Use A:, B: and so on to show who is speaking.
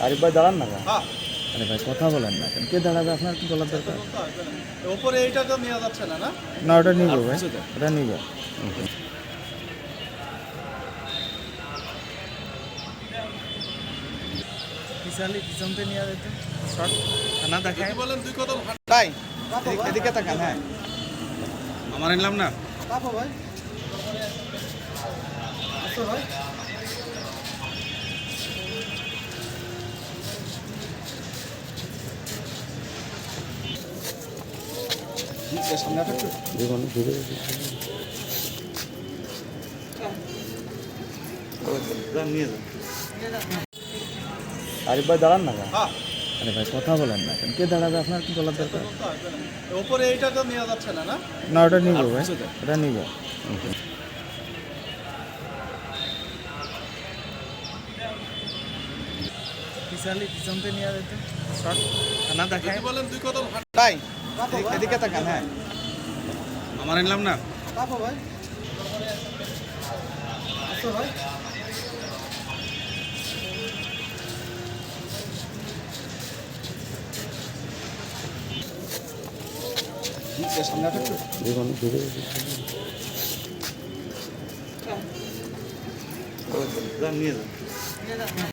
A: আরিফ ভাই দাঁড়ান না কেন?
B: হ্যাঁ,
A: আরে ভাই কথা বলেন না কেন? কে দাঁড়াবে? আপনার কি বলার দরকার?
B: ওপরে এইটা তো নেওয়া যাচ্ছে না, না?
A: না ওটা নিব ভাই, ওটা নিব। পিছনতে নিয়ে যেতে শর্ট না দেখায়।
B: যদি বলেন 2 কদম
A: তাই এদিকে তাকান। হ্যাঁ
B: আমার নিলাম না।
A: কাপো ভাই, আসো ভাই।
B: সামনে আসো একটু।
A: দেখুন ঘুরে
B: নিয়ে যান।
A: আরিফ ভাই দাঁড়ান না কেন?
B: হ্যাঁ,
A: আরে ভাই কথা বলেন না কেন? কে দাঁড়াবে? আপনার কি বলার দরকার?
B: ওপরে এইটা তো নেওয়া যাচ্ছে না, না?
A: না ওটা নিব ভাই, ওটা নিব। পিছনতে নিয়ে যেতে শর্ট না দেখায়।
B: যদি বলেন 2 কদম
A: তাই এদিকে তাকান। হ্যাঁ
B: আমার নিলাম না।
A: কাপো ভাই, আসো ভাই।
B: সামনে আসো একটু।
A: দেখুন ঘুরে
B: নিয়ে যান।